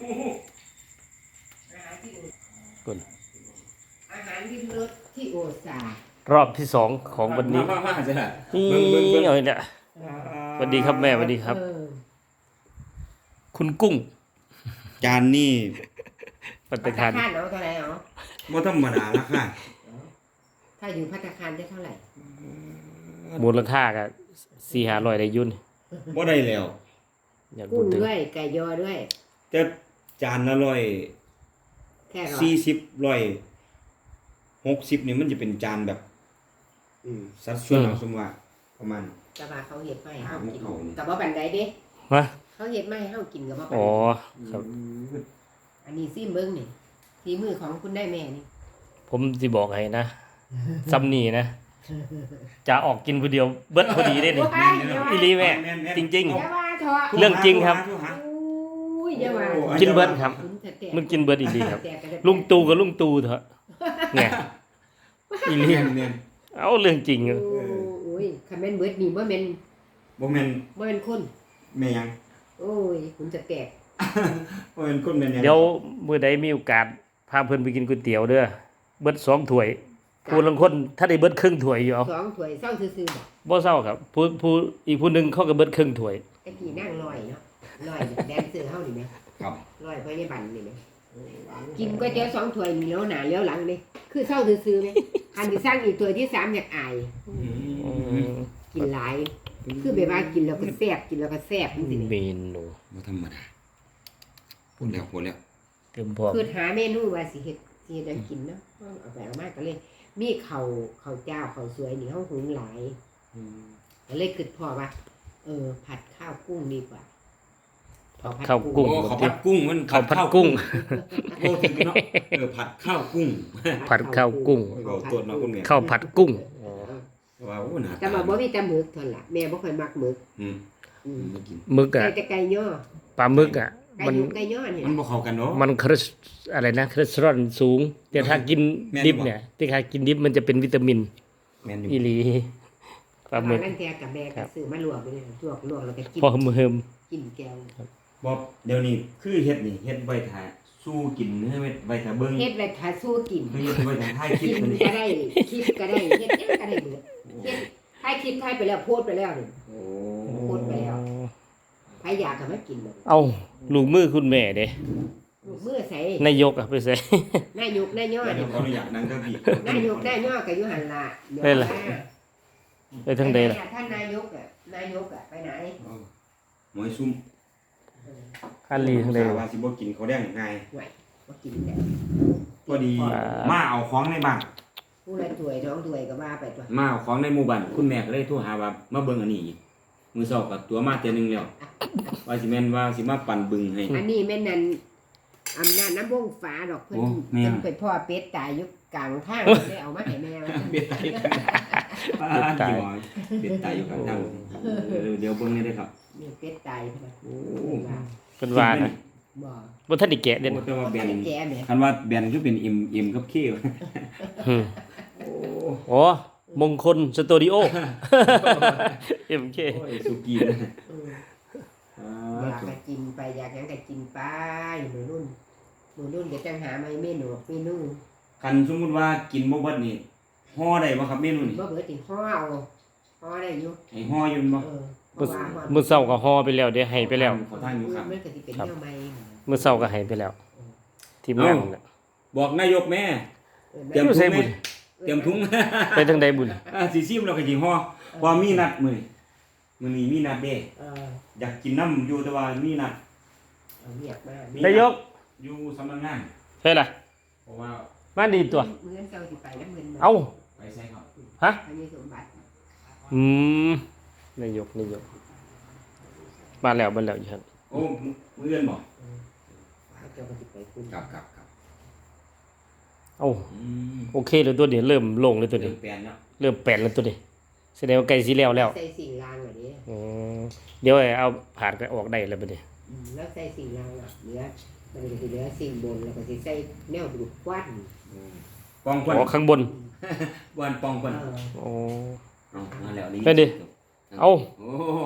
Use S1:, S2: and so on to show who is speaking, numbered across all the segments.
S1: คุณ
S2: อาหารริมรสที่โอซาร
S1: อบที่2ของวันนี้
S3: มาใช่ไหม
S1: นี่เอาเนี่ยสวัสดีครับแม่สวัสดีครับ คุณกุ้ง
S3: จานนี่
S1: ปัต
S2: ภัต
S1: ตา
S2: ตา
S1: คาร
S2: คารเนาะเท่าไหร่เนาะ
S3: บ่ธรรมดาราคา
S2: ถ้าอยู่ภัตตาคารได้เท่าไหร่
S1: มูลค่าก็400-500ได้ยุ่น
S3: บ่ได้แล้ว
S1: อยาก
S2: กุ้
S1: พู
S2: ง
S1: ดถึง
S2: ด้วยไก่ยอด้วย
S3: แต่จานละ
S2: แค่ร้อย
S3: 140 160นี่มันจะเป็นจานแบบสัดส่วนสมว่าประมาณ
S2: แต่ว่าเขาเห็ดไม่ให้เฮากิน
S3: เอานี่
S2: แต่ว่าบันไดเด้
S1: ฮะ
S2: เขาเห็ดไม่ให้เฮากินกับว่าบัน
S1: อ๋อ
S2: ได
S1: ครับ
S2: อันนี้ซิมเบิ้งนี่ฝีมือของคุณได้แม่นี่
S1: ผมสิบอกให้นะซ้ำนี่นะ จะออกกินผู้เดียวเบิดพอดีได้นี่ อีหลีแม่จริง
S2: อย่าว่าเถอะ
S1: เรื่องจริงครับ
S2: อุ้ยอย่าว่า
S1: กินเบิดครับ
S2: แตก
S1: มันกินเบิดอีหลีครับ
S2: แตกกันได้
S1: ลุงตู่กับลุงตู่เถอะเนี่ยอีหลี
S3: เนี่ย
S1: เอาเรื่องจริง
S2: โอ้ยคันแม่นเบิดนี่บ่แม่น
S3: บ่แม่น
S2: บ่แม่นคน
S3: แม่ยัง
S2: โอ้ยคุณจะแตก
S3: บ่แม่นคนแม่นยัง
S1: เดี๋ยวมื้อใดมีโอกาสพาเพิ่นไปกินก๋วยเตี๋ยวเด้อเบิด2ถ้วยผู้ลางคนถ้าได้เบิดครึ่งถ้วยอยู่เอา
S2: สองถ้วยเศร้าซื่อๆบ่
S1: บ่เศร้าครับผู้อีกผู้หนึงเขาก็เบิดครึ่งถ้วย
S2: ไอ้กี่นั่งลอยเนาะลอยแดนเซอร์เฮานี่แหม
S3: ครับ
S2: ลอยไปในบันนี่แหมกินก๋วยเตี๋ยว2ถ้วยมีแล้วหน้าแล้วหลังนี่คือเศร้าซื่อๆแหมคันสิสร้างอีกถ้วยที่3อยากอายกินหลาย คือแบบว่ากินแล้วก็แซ่บกินแล้วก็แซ่บจังซี่
S1: เม
S2: นี่
S1: นู
S3: บ่ธรรมดาพูดแล้ว
S1: เต็มพร้อม
S2: คือหาเมนูว่าสิเฮ็ดให้กินเนาะเอาไปเอามาก็เลย มีข้าวเจ้าข้าวสวยนี่เฮาหุงหลายก็เลยคิดพอว่าผัดข้าวกุ้งดีกว่า
S1: ข้าวกุ้ง
S3: โอ้ข้าวผัดกุ้งมัน
S1: ข้าวผัดกุ้ง
S3: โอ้ถึงเนาะผัดข้าวกุ้ง
S1: ผัดข้าวกุ้ง
S3: เอาตัวเนาะคุณแม่
S1: ข้าวผัดกุ้ง
S3: ว้าวน่า
S2: แต่ว่าบ่มีแต่หมึกเท่านั้นล่ะแม่บ่ค่อยมักหมึก
S3: อืม
S2: อืม
S3: บ่กิน
S1: มึก
S2: ใส่
S1: อ่ะ
S2: แต่ไก่ย่อ
S1: ปลาหมึกอ่ะ
S2: ไก่
S1: มัน
S2: หยุกไก่ย่อนี่
S3: มันบ่เข้ากันเนาะ
S1: มันคอเลสอะไรนะคอเลสเตอรอลสูง แต่ถ้ากิน
S3: แม่น
S1: ดิบ
S3: บ่
S1: เนี่ยที่ถ้ากินดิบมันจะเป็นวิตามิน
S3: แม่นอยู่
S1: อีหลีปลาหมึก
S2: นั่นแท้กับแม่ก็ซื้อมาลวกไปเลยลวกแล้วก็กิน
S1: พอเฮิม
S2: กินแก้ว
S3: บ่เดี๋ยวนี้คือเฮ็ดนี่เฮ็ดไว้ท่าสู้กินเฮ็ดไว้ท่าเบิ่ง
S2: เฮ็ดไว้ถ้าสู้กิน
S3: เฮ็ดไว้ท่าถ่ายคลิ
S2: กิ
S3: ป
S2: น
S3: มัน
S2: ก็ได้คลิปก็ได้เฮ็ดหยังก็ได้เบิดเฮ็ดถ่ายคลิปถ่ายไปแล้วโพสต์ไปแล้วนี่
S3: โอ้
S2: พูดไปแล้ว ใครอยากก็มากินเลย
S1: เอาลูกมือคุณแม่เด้
S2: ลูกมือใส่
S1: นายกอะไปใส่
S2: นายกนายย่อ
S3: แล้ว
S2: เนี่ย
S3: ขออนุญาตนั่งเก้าอี้
S2: นายกนายย่อก็อยู่หั่นล่ะเดี๋ยว
S1: ได้ล่ะ ไปทางใดล่ะ
S2: ท่านนายกอ่ะไปไหน
S3: หมอยซุ่ม
S1: อันลีทางใด
S3: ว่าสิบ่กินข้าวแดงง่าย
S2: ไหวบ่กินแล้ว
S3: พอดีมาเอาของในบ้าน
S2: ผู้ละถ้วยน้องถ้วยก็ว่าไปตัว
S3: มาเอาของในหมู่บ้านคุณแม่ก็เลยโทรหาว่ามาเบิ่งอันนี้อีกมื้อเช้าก็ตัวมาเทื่อนึงแล้วว่าสิแม่นว่าสิมาปั่นบึงให้
S2: อันนี้แม่นนั่นอำนาจน้ำวงฟ้าดอกเพิ่น
S3: โอ้แม่
S2: เพิ่นไปพ่อเป็ดตายอยู่กลางทางได้เอามาให้แม่ว่า
S3: เบ็ดตายอยู่กันเบ็ดตายอยู่กันทางเดี๋ยวเบิ่งนี่เด้อครับ
S2: นี่เป็ดตายพุ่นน่ะ
S3: โอ้
S2: ว่า
S1: เป็นว่านะ
S2: บ่
S1: บ่ทันได้แกะเด่น
S3: แต่ว่าแบน
S2: แก่แม่
S3: คันว่าแบนคือเป็นอิ่มกับเค
S1: อืม
S3: โอ้
S1: โอ้มงคลสตูดิโอ MK
S3: โอ้ยสุกี้นะ
S2: เอออยากก็กินไปอยากหยังก็กินไปมื้อรุ่นเดี๋ยวจังหามาเมนู
S3: คันสมมุติว่ากินบ่เบิดนี่ห่อได้บ่ครับเมนูนี่
S2: บ่เบิดติห่อเอาห่อได้อยู่
S3: ให้ห่ออยู่บ่
S2: เพราะว่าห่อ
S1: มื้อเช้าก็ฮอไปแล้วเดี๋ยวให้ไปแล้ว
S3: เขาทานอยู่ครับ
S2: มันก็สิเป็นแนวใหม่
S1: มื้อเช้าก็ให้ไปแล้ว ทีมงานน่ะ
S3: บอกนายกแม่ เตรียม
S1: อยู่
S3: ถุ
S1: ใส่
S3: ง
S1: บุ
S3: แม่
S1: ญ
S3: เตรียมถุง
S1: ไปทางใดบุญ
S3: สิซิมแล้วก็สิห่อเพราะมีนัดมื้อนี้มีนัดเด้
S2: เออ
S3: อยากกินน้ำอยู่แต่ว่ามีนัด
S2: เอาเรียกมา
S3: มี
S1: นายก
S3: อยู่สำนักงาน
S1: ใช่ล่ะ
S3: เพราะว่า
S1: มาดีตัว
S2: เงินเจ้าสิไปนำเงิน
S1: เอ้า
S3: ไปใส่ครับ
S1: ฮะ
S2: อันนี้สมบัติ
S1: อืมนายกมาแล้วอยู่ครับ
S3: โอ้มื้อเอื้อนบ่
S2: เจ้าก็สิไปคุณ
S3: ครับ
S1: เอ้า
S3: อืม
S1: โอเคเลยตัวนี้เริ่มโล่งเลยตัว
S3: เริ่
S1: นี้
S3: มแปลนแล้ว
S1: เริ่มแปลนแล้วตัวนี้แสดงว่าใกล้สิแล้วแล้ว
S2: ใส่สิ่งรางเหล่านี้
S1: อืมเดี๋ยวเอาผ่านก็ออกได้แล้วบัดนี้
S2: แล้วใส่สิ่งรางอ่ะเหลือมันก็สิเหลือสิ่งบนแล้วก็สิใส่แนวดูดควัน
S3: ปองควัน
S1: อ๋อข้างบน
S3: วันปองควัน
S1: โอ้
S3: เอามาแล้วนี่
S1: ไปดิ เอา
S3: โอ้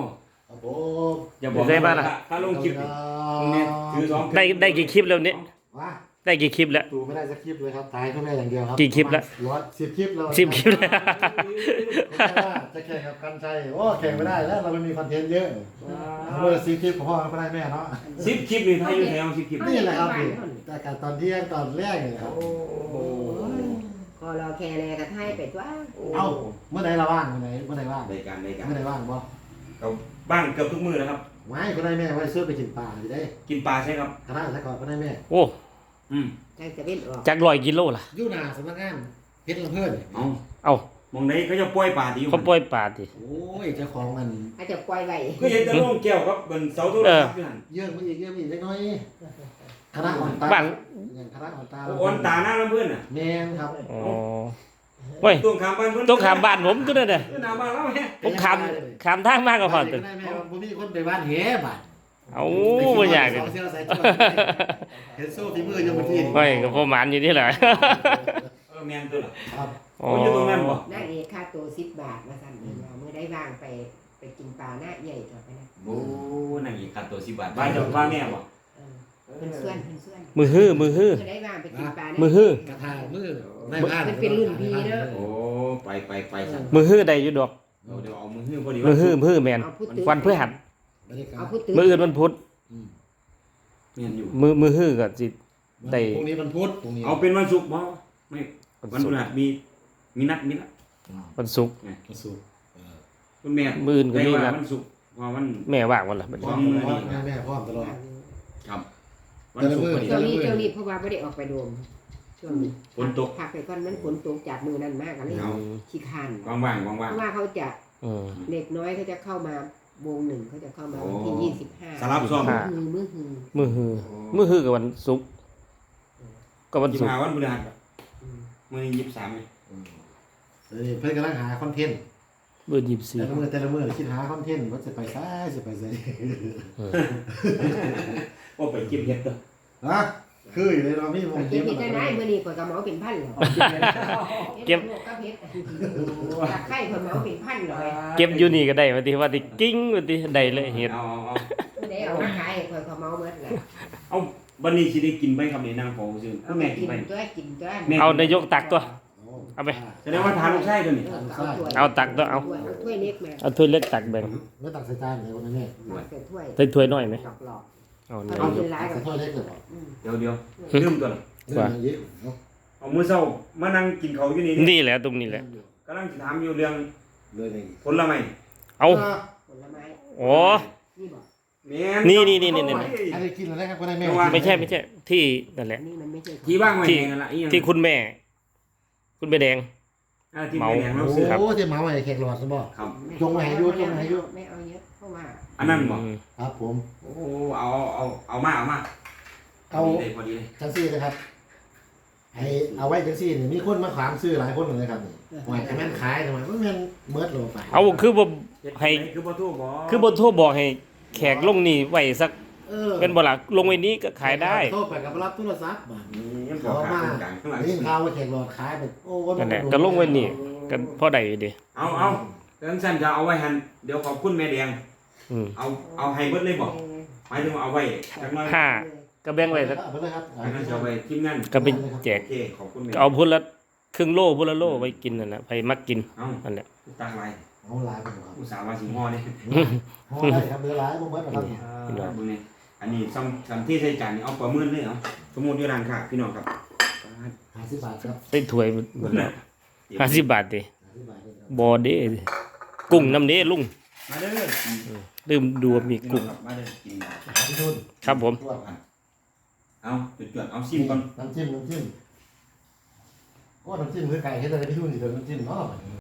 S4: ครับผม
S3: อย่าบอก
S1: ได้บ้างล่ะ
S3: ถ้าลงคลิปนี่คุณแม่ถือสอง
S1: ได้กี่คลิปแล้วเนี่ย
S4: ว่า
S1: ได้กี่คลิปแล้ว
S4: ดูไม่ได้สักคลิปเลยครับถ่ายเพื่อแม่อย่างเดียวครับ
S1: กี่คลิปละ
S4: 10 คลิปแล้ว
S1: 10 คลิปแล้ว
S4: จะแข่งกับกันชัยโอ้แข่งไม่ได้แล้วเราไม่มีคอนเทนต์เยอะเลย10 คลิปของพ่อก็ได้แม่เนาะ
S3: 10 คลิปนี่ถ้าอยู่แถว10 คลิป
S4: นี่แหละครับพี่แต่การตอนเที่ยงตอนแรกเนี่ยครับ
S2: ก็รอแค่แลกระไทยไปว่า
S4: เอ้าเมื่อไหร่เราว่างเมื่อไหร่ว่าง
S3: ในการ
S4: เมื่อไหร่ว่างบ่
S3: เราบ้างเกือบทุกมื้อนะครับ
S4: ไม่ก็ได้แม่ไว้ซื้อไปกินปลาอยู่ได้
S3: กินปลาใช่ครับ
S4: คณะซะก่อนก็ได้แม่
S1: โอ้
S3: อืม
S2: จังจะเป็นออก
S1: จาก100 กิโลล่ะ
S4: ยู่นาสำนักงานเพชรลำเพิ่น
S3: เอา
S1: เอ้าม
S3: องไหนเขาจะปล่อยปลาที่อยู่
S1: เขาปล่อยปลาติ
S4: โอ้ยเจ้าของมัน
S2: อาจจะปล่อยไว้
S3: ก็เห็นแต่โล่งแก้วครับบนเสาโทรศัพท์อยู่หั่น
S4: เยอะมาอีกเล็กน้อยคณะอ่อนตา
S1: บ้าน
S4: อย่างคณะอ่อนตา
S3: อ่อนตาหน้าลำเพิ่นน่ะ
S4: แมนครับ
S1: อ๋อเว้ย
S3: ตรงข้ามบ้านเพิ่น
S1: ต้องขามบ้านผมตัวนั้นน่ะ
S3: หน้าบ้านเราแฮะ
S1: ผมขามทางมากกว่าพอ
S4: ตั
S1: ตัว
S4: วได้แม่ว่าบ่มีคนไปบ้านแหบ้าน
S1: เอาบ่อยาก
S4: ส
S1: เลย
S4: องเสี้ยวใส่จ้วเห็นโซ่ฝีมือยังบ่ที
S1: เฮ้ยก็ประมาณอยู่นี่แหละ
S3: แม่นตัวล่ะ
S4: ครับ
S1: อ๋อ
S3: โอ้ยอยู่ตรงนั้นบ่
S2: นางเอกค่าตัว10 บาทมาสั่นเองว่ามื้อได้ว่างไปกินปลาหน้าใหญ่ต่อไปนะ
S3: โอ้นั่งอีกค่าตัว10 บาทบ้านเจ้าว่าแม่บ่
S2: เพิ่นส่วน
S1: มือฮื้อ
S2: มื้อได้ว่างไปกินปลาหน้า
S1: มือฮื้อ
S4: กระทามือในบ้าน
S2: มันเป็นรุ่นพี่เนอะ
S3: โอ้ไปสั่น
S1: มือฮื้อได้อยู่ดอก
S3: เดี๋ยวเอามือฮื้อพอดี
S1: มือฮื้อแม่น
S2: เอาผู้ตื่น
S1: วันพฤหัส
S4: บรรยากา
S2: เอา
S4: ศ
S2: ผู้ตื่น
S1: มื้ออื่นวันพุธ
S3: แม่นอยู่
S1: มือฮื้อก็สิ ได้
S4: พรุ่งนี้มันพุธพรุ่งนี้
S3: เอาเป็นวันศุกร์บ่ไม่
S1: วัน
S3: วัน
S1: ศุ
S3: พ
S1: ก
S3: ฤ
S1: ร์
S3: หัสมีนัด
S1: วันศุกร์
S4: วันศุกร์
S3: คุณแม่
S1: มื้ออื่นก็มี
S3: ได้ว่า
S1: นัด
S3: วันศุกร์เพราะวัน
S1: แม่ว่างวันละบัด
S4: พร้
S1: นี้
S4: อมแม่พร้อมตลอด
S3: ครับวันศุกร์พอดี
S2: ช่วงนี้เพราะว่าไม่ได้ออกไปโดมช่วงนี้
S3: ฝนตก
S2: พักไปก่อนมันฝนตกจากมือนั่นมากก็เลย
S3: เอา
S2: ขี้คร้าน
S3: ว่างๆ
S2: เพ
S3: ว่าง
S2: ราะว่าเขาจะ
S1: อืม
S2: เด็กน้อยเขาจะเข้ามาวงหนึ่งเขาจะเข้ามาวันที่
S3: โอ้
S2: 25
S3: ๆสลับซ่อม
S2: มือหือ
S1: มือฮื้อมือฮื้อกับวันศุกร์ก็วันศุกร์
S3: 25วันพฤหัสมื้อนี้23นี่
S4: เพื่อนกำลังหาคอนเทนต์
S1: มื้อ
S4: แต่ละมือคิดหาคอนเทนต์ว่าจะไปซ้ายจะไปซ้าย
S3: โอ้ไปเก็บเห็ดเด้อ
S4: ฮะคืออยู่ในเรามีวง
S2: เก็บเห็ดได้ไหมมื้อนี้ข่อยก็เหมาเป็นพันเหรอเก็บกับเห็ดจากไข่ข่อยเหมาเป็นพันเลย
S1: 24เก็บอยู่นี่ก็ได้ว่าติกิ้งว่าติได้เลยเฮ็ด
S3: เอา
S2: ได้เอามาขายข่อยก็เหมาหมดแหละ
S3: เอาบัดนี้สิได้กินไหมครับนี่นางเฝ้าซื่อคุณแม่กินไหม
S2: กินตัว
S3: แม่
S1: เอานายกตักตัว เอาไป
S3: แสดงว่าทานลูกชายตัวนี้
S1: เอาตักตัวเอา
S2: ถ้วยเล็กมา
S1: เอาถ้วยเล็กตักแบ่ง
S4: ไม่ตักใส่จานเลยวันนั้นแม่
S2: ใส่ถ้วย
S1: ใส่ถ้วยน้อยไหม
S2: หลอก
S1: เอา
S2: ๆ
S1: นี่
S2: เอาเป็นหลาย
S4: ใส่
S2: กับ
S4: ถ้วยเล็กเลยเหรอ
S3: เดี๋ยวลืมตัวละ
S4: เยอะเนาะ
S3: เอามื้อเช้ามานั่งกินข้าวอยู่นี่
S1: นี่แหละตรงนี้แหละ
S3: กำลังสิถามอยู่เรื่อง
S4: เลยไง
S3: ผลไม้
S1: เอา
S2: ผลไม้
S1: โอ้
S2: นี่บอก
S3: แม่น
S1: นี่
S4: อันนี้กินอะไรครับก็ได้แม่
S1: ไม่ใช่ที่นั่นแหละ
S2: อันนี้มันไม่ใช่
S3: ที่ว่างไว้ให้กันละอีหยัง
S1: ที่คุณแม่ คุณแม่แดง
S3: ที่แม่แดงเรา
S4: โอ้
S3: ซื้อ
S1: ครับ
S4: โหที่หมาไว้แขกหลอดซะบ่
S3: ครับ
S4: จงไว้ให้อยู่จงไว้ให้อยู่
S2: ไม่เอาเยอะเพราะว่า
S3: อันนั้นบ่
S4: ครับผม
S3: โอ้เอามา
S4: เอา
S3: พอดีเลย
S4: จังซี่นะครับให้เอาไว้จังซี่นี่มีคนมาขามซื้อหลายคนเลยครับนี่ว่าจะแม่นขายทำไมมันแม่นเมิดโลไป
S1: เอาคือบ่ให้
S3: คือบ่โทรบ่
S1: คือบ่โทรบอกให้แขกลงนี่ไว้สัก
S4: เออ
S1: เป็นบ่ล่ะลงไว้นี้ก็ขายได้
S4: โทรไปกับรับโทรศัพท์บ่
S3: ยังบอ
S4: เขา
S3: กขา
S4: มา
S3: ตรงกลางข้างหลัง
S4: ได้ยินข่าวว่าแขกหลอดขายไปโอ้ว่า
S1: นั่นแหละก็ลงไว้นี่ก็พอได้อยู่ดิ
S3: เอาแล้วสั่นจะเอาไว้หันเดี๋ยวขอบคุณแม่แดง
S1: อืม
S3: เอาให้เบิดเลยบ่หมายถึงว่าเอาไว้จักหน่อย
S1: ห้าก็แบ่งไว้สัก
S4: เอาไปเลยครับ
S3: อันนั้นจะเอาไว้ทีมงาน
S1: ก็ไปแจ
S3: โอก เคขอบคุณแม่
S1: เอาพุ่นละครึ่งโลพุ่นละโลไว้กินนั่นแหละไปมักกิน
S3: เอา
S1: นั่นแหละ
S3: ตั้งไว้
S4: เอาหลายไปครับ
S3: อุตส่าห์ว่าสิงอนี่
S4: ห่อได้ครับเหลือหลายบ่เมิดนะครับ
S3: บุญนี่อันนี้ซ้ำที่ใส่จานนี่เอาประเมินเลยเอาสมมุติอยู่ร้านค้าพี่น้องครับ
S4: 50 บาทครับ
S1: ได้ถ้วยหมดแล้ว50 บาทดิ
S4: 50 บาทเลยครับ
S1: บ่เด้กุ้งน้ำเด้ลุง
S3: มาเด้อ
S1: ลืมดูว่ามี
S3: พี่น้อ
S1: กุ้
S3: ง
S1: ง
S3: ครับมาเด้อกิน
S4: พี่ทุน
S1: ครับผม
S4: ทั่ว
S3: เอาจวดๆเอาซิมก่อน
S4: น้ำจิ้มก็น้ำจิ้มคือไก่เฮ็ดอะไรพี่ทุนสิเด้อน้ำจิ้มเนาะ